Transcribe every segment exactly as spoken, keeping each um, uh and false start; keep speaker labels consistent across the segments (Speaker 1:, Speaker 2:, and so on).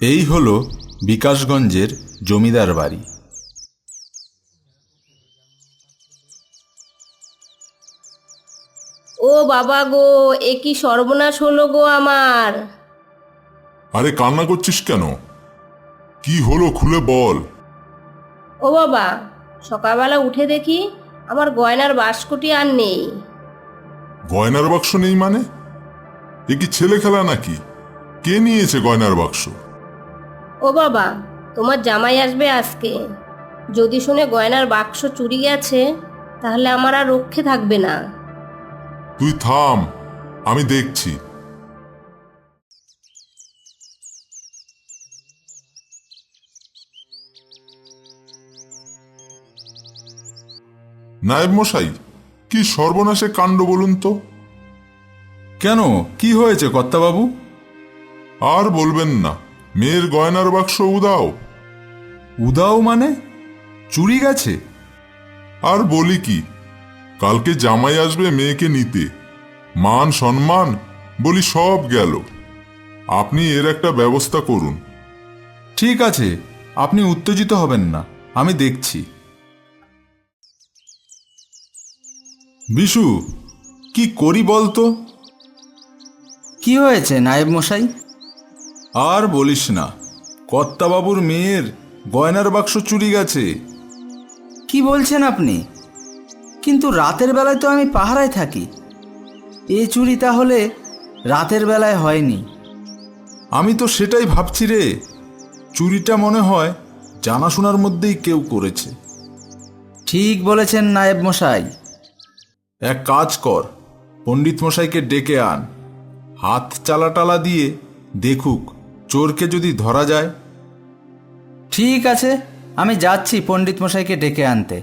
Speaker 1: এই হলো বিকাশগঞ্জের জমিদার বাড়ি।
Speaker 2: ও বাবা গো, এ কি সর্বনাশ হলো গো আমার।
Speaker 3: আরে কান্না করছিস কেন? কি হলো খুলে বল।
Speaker 2: ও বাবা, সকালবেলা উঠে দেখি আমার গয়নার বাস্কটি আর নেই।
Speaker 3: গয়নার বাক্স নেই মানে? এ কি ছেলে খেলা নাকি? কে নিয়েছে গয়নার বাক্স?
Speaker 2: ও বাবা, তোমার জামাই আসবে আজকে। যদি শুনে গয়নার বাক্স চুরি গেছে, তাহলে আমার আর রক্ষে থাকবে না।
Speaker 3: তুই থাম, আমি দেখছি। নায়েব মশাই, কি সর্বনাশে কাণ্ড বলুন তো।
Speaker 1: কেন, কি হয়েছে কর্তাবাবু?
Speaker 3: আর বলবেন না, মেয়ের গয়নার বাক্স উদাও।
Speaker 1: উদাও মানে? চুরি গেছে?
Speaker 3: আর বলি কি, কালকে জামাই আসবে মেয়েকে নিতে, মান সম্মান বলি সব গেল। আপনি এর একটা ব্যবস্থা করুন।
Speaker 1: ঠিক আছে, আপনি উত্তেজিত হবেন না, আমি দেখছি। বিশু, কি করি বলতো?
Speaker 4: কি হয়েছে নায়েব মশাই?
Speaker 1: আর বলিস না, কর্তাবাবুর মেয়ের গয়নার বাক্স চুরি গেছে।
Speaker 4: কি বলছেন আপনি? কিন্তু রাতের বেলায় তো আমি পাহারায় থাকি। এ চুরি তাহলে রাতের বেলায় হয়নি।
Speaker 1: আমি তো সেটাই ভাবছি রে। চুরিটা মনে হয় জানাশোনার মধ্যেই কেউ করেছে।
Speaker 4: ঠিক বলেছেন নায়েব মশাই।
Speaker 1: এক কাজ কর, পণ্ডিত মশাইকে ডেকে আন। হাত চালাটালা দিয়ে দেখুক চোরকে যদি ধরা যায়।
Speaker 4: ঠিক আছে, আমি যাচ্ছি পণ্ডিত মশাইকে ডেকে আনতে।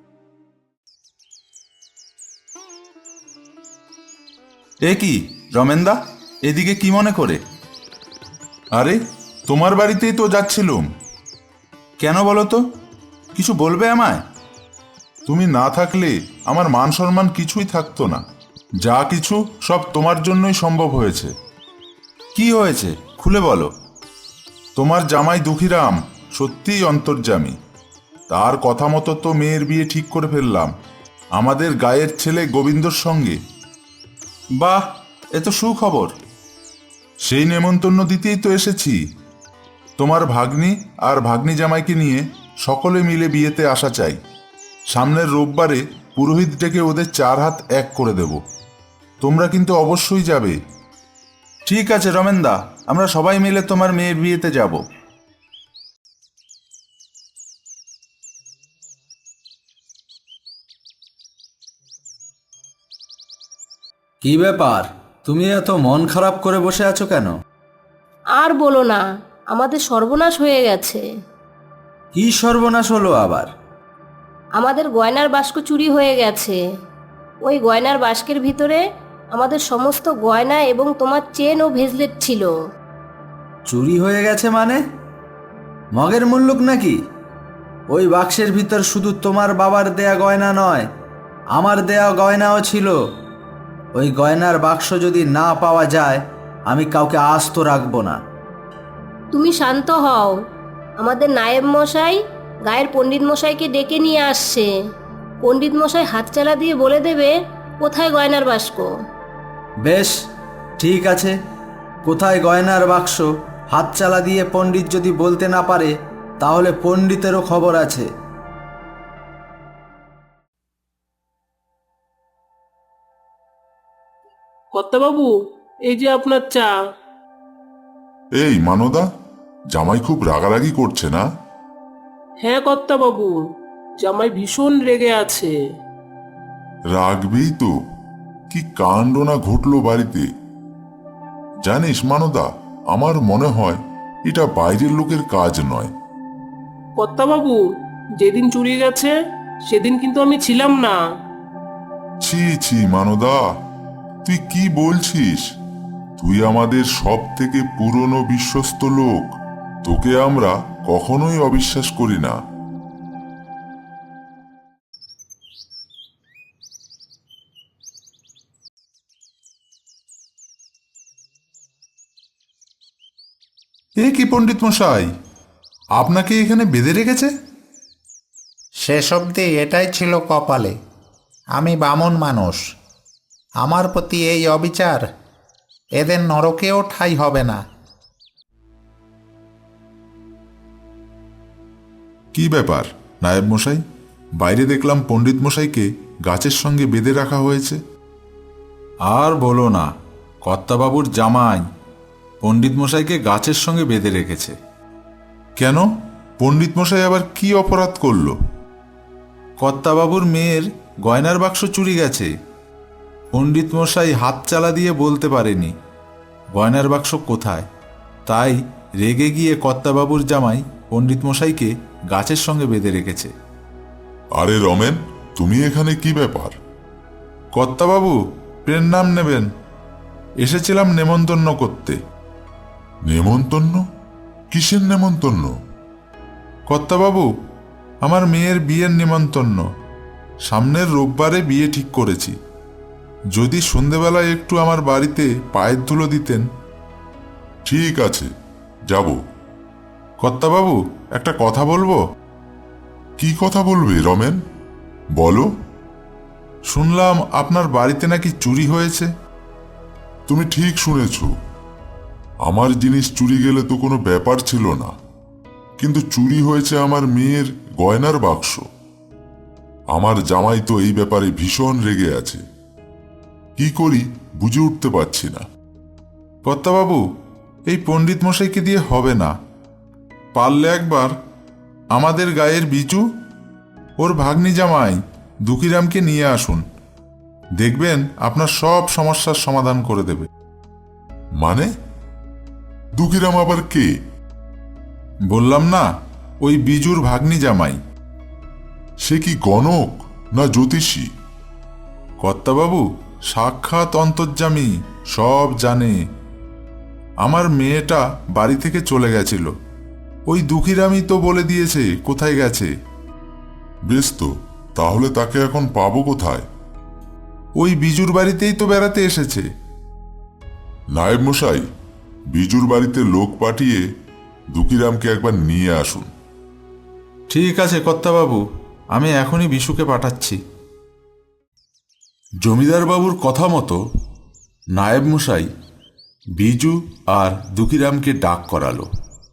Speaker 1: এ কি রমেনদা, এদিকে কি মনে করে? আরে, তোমার বাড়িতেই তো যাচ্ছিলুম। কেন বলো তো, কিছু বলবে আমায়? তুমি না থাকলে আমার মান সম্মান কিছুই থাকতো না। যা কিছু সব তোমার জন্যই সম্ভব হয়েছে। কি হয়েছে খুলে বলো। তোমার জামাই দুঃখীরাম সত্যিই অন্তর্যামী। তার কথা মতো তো মেয়ের বিয়ে ঠিক করে ফেললাম আমাদের গায়ের ছেলে গোবিন্দর সঙ্গে। বাহ, এ তো সুখবর। সেই নেমন্তন্ন দিতেই তো এসেছি। তোমার ভাগ্নি আর ভাগ্নি জামাইকে নিয়ে সকলে মিলে বিয়েতে আসা চাই। সামনের রোববারে পুরোহিত ডেকে ওদের চার হাত এক করে দেব। তোমরা কিন্তু অবশ্যই যাবে। ঠিক আছে রমেনদা, আমরা সবাই মিলে তোমার মেয়ের বিয়েতে যাব।
Speaker 4: কি ব্যাপার, তুমি এত মন খারাপ করে বসে আছো কেন?
Speaker 2: আর বলো না, আমাদের সর্বনাশ হয়ে গেছে।
Speaker 4: কি সর্বনাশ হলো আবার?
Speaker 2: আমাদের গয়নার বাস্ক চুরি হয়ে গেছে। ওই গয়নার বাস্কের ভিতরে আমাদের সমস্ত গয়না এবং তোমার চেন ও ভেজলেট ছিল।
Speaker 4: চুরি হয়ে গেছে মানে? মগের মুল্লুক নাকি? ওই বাক্সের ভিতর শুধু তোমার বাবার দেয়া গয়না নয়, আমার দেয়া গয়নাও ছিল। ওই গয়নার বাক্স যদি না পাওয়া যায়, আমি কাউকে আস্ত রাখবো না।
Speaker 2: তুমি শান্ত হও, আমাদের নায়েব মশাই গায়ের পণ্ডিত মশাইকে ডেকে নিয়ে আসছে। পণ্ডিত মশাই হাতচালা দিয়ে বলে দেবে কোথায় গয়নার বাস্ক।
Speaker 4: বেশ, ঠিক আছে। কোথায় গয়নার বাক্স হাতচালা দিয়ে পণ্ডিত যদি বলতে না পারে, তাহলে পণ্ডিতেরও খবর আছে।
Speaker 5: কর্তাবাবু, এই যে আপনার চা।
Speaker 3: এই মানদা, জামাই খুব রাগারাগি করছে না?
Speaker 5: হ্যাঁ কর্তাবাবু, জামাই ভীষণ রেগে আছে।
Speaker 3: রাগবেই তো, কি কাণ্ড না ঘটলো বাড়িতে। জানিস মানদা, আমার মনে হয় এটা বাইরের লোকের কাজ নয়।
Speaker 5: কর্তাবাবু, যেদিন চুরি গেছে সেদিন কিন্তু আমি ছিলাম না।
Speaker 3: ছি ছি মানদা, তুই কি বলছিস? তুই আমাদের সব থেকে পুরনো বিশ্বস্ত লোক, তোকে আমরা কখনোই অবিশ্বাস করি না।
Speaker 1: এ কি পণ্ডিত মশাই, আপনাকে এখানে বেঁধে রেখেছে?
Speaker 6: শেষ অবধি এটাই ছিল কপালে। আমি বামন মানুষ, আমার প্রতি এই অবিচার, এদের নরকেও ঠাঁই হবে না।
Speaker 1: কি ব্যাপার নায়েব মশাই, বাইরে দেখলাম পণ্ডিত মশাইকে গাছের সঙ্গে বেঁধে রাখা হয়েছে। আর বলো না, কর্তাবাবুর জামাই পণ্ডিত মশাইকে গাছের সঙ্গে বেঁধে রেখেছে। কেন, পণ্ডিত মশাই আবার কি অপরাধ করল? কর্তাবাবুর মেয়ের গয়নার বাক্স চুরি গেছে। পণ্ডিত মশাই হাত চালা দিয়ে বলতে পারেনি গয়নার বাক্স কোথায়, তাই রেগে গিয়ে কর্তাবাবুর জামাই পণ্ডিত মশাইকে গাছের সঙ্গে বেঁধে রেখেছে।
Speaker 3: আরে রমেন, তুমি এখানে কি ব্যাপার?
Speaker 1: কর্তাবাবু, প্রের নাম নেবেন, এসেছিলাম নেমন্তন্ন করতে।
Speaker 3: নেমন্তন্ন? কিসের নেমন্তন্ন?
Speaker 1: কর্তাবাবু, আমার মেয়ের বিয়ের নেমন্তন্ন। সামনের রোববারে বিয়ে ঠিক করেছি। যদি সন্ধেবেলায় একটু আমার বাড়িতে পায়ের ধুলো দিতেন।
Speaker 3: ঠিক আছে, যাব।
Speaker 1: কর্তাবাবু, একটা কথা বলবো।
Speaker 3: কি কথা বলবে রমেন, বলো।
Speaker 1: শুনলাম আপনার বাড়িতে নাকি চুরি হয়েছে।
Speaker 3: তুমি ঠিক শুনেছ। আমার জিনিস চুরি গেলে তো কোনো ব্যাপার ছিল না, কিন্তু চুরি হয়েছে আমার মেয়ের গয়নার বাক্স। আমার জামাই তো এই ব্যাপারে ভীষণ রেগে আছে। কি করি বুঝে উঠতে পারছি না।
Speaker 1: কর্তাবাবু, এই পণ্ডিত মশাইকে দিয়ে হবে না। পারলে একবার আমাদের গায়ের বিজু, ওর ভাগ্নি জামাই দুকিরামকে নিয়ে আসুন, দেখবেন আপনার সব সমস্যার সমাধান করে দেবে।
Speaker 3: মানে? দুঃখীরাম আবার কে?
Speaker 1: বললাম না, ওই বিজুর ভাগ্নি জামাই।
Speaker 3: সে কি গণক না জ্যোতিষী?
Speaker 1: কর্তাবাবু সাক্ষাৎ অন্তর্যামী, সব জানে। আমার মেয়েটা বাড়ি থেকে চলে গেছিল, ওই দুঃখীরামই তো বলে দিয়েছে কোথায় গেছে।
Speaker 3: বেশ তো, তাহলে তাকে এখন পাবো কোথায়?
Speaker 1: ওই বিজুর বাড়িতেই তো বেড়াতে এসেছে।
Speaker 3: নায়েব মশাই, বিজুর বাড়িতে লোক পাঠিয়ে দুঃখীরামকে একবার নিয়ে আসুন।
Speaker 1: ঠিক আছে কর্তাবাবু, আমি এখনই বিশুকে পাঠাচ্ছি। জমিদার বাবুর কথা মতো নায়েব মশাই বিজু আর দুঃখীরামকে ডাক করালো।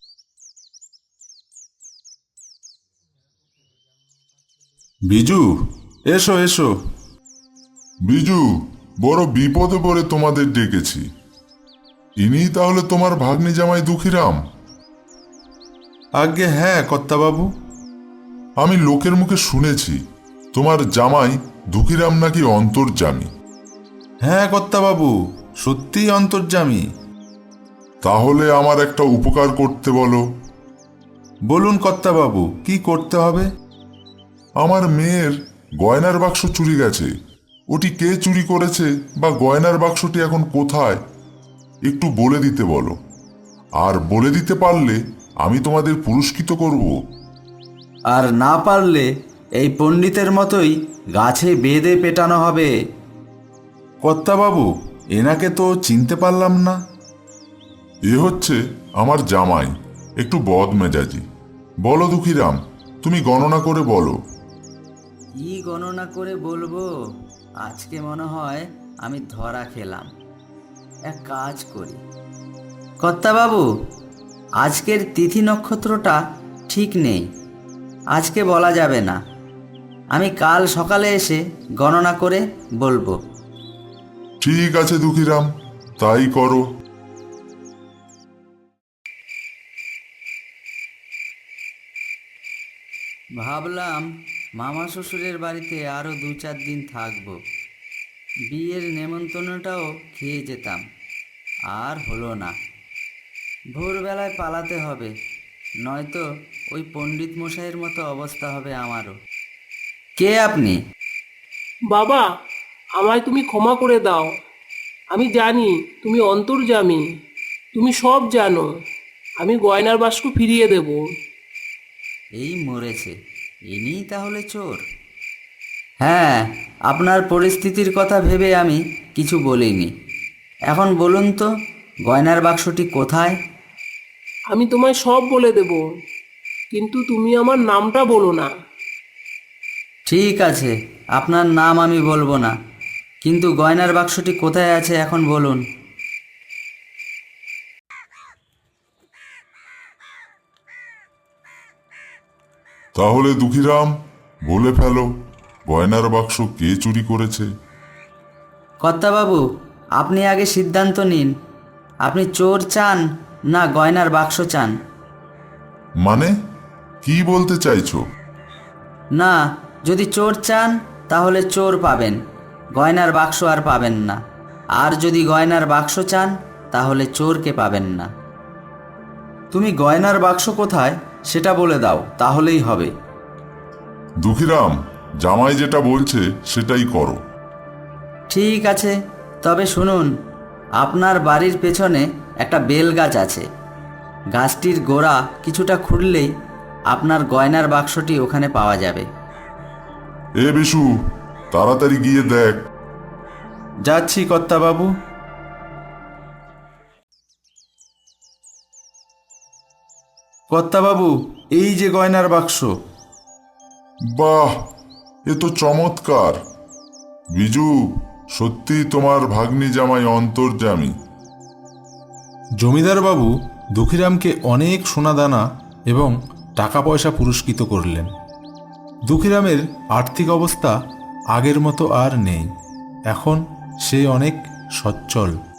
Speaker 1: বিজু, এসো এসো।
Speaker 3: বিজু, বড় বিপদে পড়ে তোমাদের ডেকেছি। ইনিই তাহলে তোমার ভাগ্নি জামাই দুঃখীরাম?
Speaker 1: আজ্ঞে হ্যাঁ কর্তাবাবু।
Speaker 3: আমি লোকের মুখে শুনেছি তোমার জামাই দুঃখীরাম নাকি অন্তর্যামী।
Speaker 1: হ্যাঁ কর্তাবাবু, সত্যিই অন্তর্যামী।
Speaker 3: তাহলে আমার একটা উপকার করতে বলো।
Speaker 1: বলুন কর্তাবাবু, কি করতে হবে?
Speaker 3: আমার মেয়ের গয়নার বাক্স চুরি গেছে। ওটি কে চুরি করেছে বা গয়নার বাক্সটি এখন কোথায়, একটু বলে দিতে বলো। আর বলে দিতে পারলে আমি তোমাদের পুরস্কৃত করব।
Speaker 4: আর না পারলে এই পণ্ডিতের মতোই গাছে বেঁধে পেটানো হবে।
Speaker 1: কর্তাবাবু, এনাকে তো চিনতে পারলাম না।
Speaker 3: এ হচ্ছে আমার জামাই, একটু বদমেজাজি। বলো দুঃখীরাম, তুমি গণনা করে বলো।
Speaker 4: কি গণনা করে বলবো? আজকে মনে হয় আমি ধরা খেলাম। এক কাজ করি কর্তাবাবু, আজকের তিথি নক্ষত্রটা ঠিক নেই, আজকে বলা যাবে না। আমি কাল সকালে এসে গণনা করে বলবো।
Speaker 3: ঠিক আছে দুঃখীরাম, তাই করো।
Speaker 4: ভাবলাম মামা শ্বশুরের বাড়িতে আরও দু চার দিন থাকবো, বিয়ের নেমন্তন্নটাও খেয়ে যেতাম। আর হলো না, ভোরবেলায় পালাতে হবে, নয়তো ওই পণ্ডিত মশাইয়ের মতো অবস্থা হবে আমারও। কে আপনি?
Speaker 5: বাবা, আমায় তুমি ক্ষমা করে দাও। আমি জানি তুমি অন্তর্যামী, তুমি সব জানো। আমি গয়নার বাক্স ফিরিয়ে দেব।
Speaker 4: এই মরেছে, ইনিই তাহলে চোর? হ্যাঁ, আপনার পরিস্থিতির কথা ভেবে আমি কিছু বলিনি। এখন বলুন তো, গয়নার বাক্সটি কোথায়?
Speaker 5: আমি তোমায় সব বলে দেব, কিন্তু তুমি আমার নামটা বলো না।
Speaker 4: ঠিক আছে, আপনার নাম আমি বলবো না, কিন্তু গয়নার বাক্সটি কোথায় আছে এখন বলুন।
Speaker 3: তাহলে দুঃখীরাম, বলে ফেলো, গয়নার বাক্স কে চুরি করেছে?
Speaker 4: কর্তাবাবু, আপনি আগে সিদ্ধান্ত নিন, আপনি চোর চান না গয়নার বাক্স চান?
Speaker 3: মানে কি বলতে চাইছো?
Speaker 4: না, যদি চোর চান তাহলে চোর পাবেন, গয়নার বাক্স আর পাবেন না। আর যদি গয়নার বাক্স চান তাহলে চোরকে পাবেন না। তুমি গয়নার বাক্স কোথায় সেটা বলে দাও, তাহলেই হবে।
Speaker 3: দুঃখীরাম, জামাই যেটা বলছে সেটাই করো।
Speaker 4: ঠিক আছে, তবে শুনুন, আপনার বাড়ির পেছনে একটা বেল গাছ আছে। গাছটির গোড়া কিছুটা খুঁড়লেই আপনার গয়নার বাক্সটি ওখানে পাওয়া যাবে।
Speaker 3: এ বিশু, তাড়াতাড়ি গিয়ে দেখ।
Speaker 4: যাচ্ছি কর্তাবাবু। কর্তাবাবু, এই যে গয়নার বাক্স।
Speaker 3: বাহ, এ তো চমৎকার। বিজু, সত্যি তোমার ভাগ্নি জামাই অন্তর্যামী।
Speaker 1: জমিদার বাবু দুঃখীরামকে অনেক সোনাদানা এবং টাকা পয়সা পুরস্কৃত করলেন। দুঃখীরামের আর্থিক অবস্থা আগের মতো আর নেই, এখন সে অনেক সচ্ছল।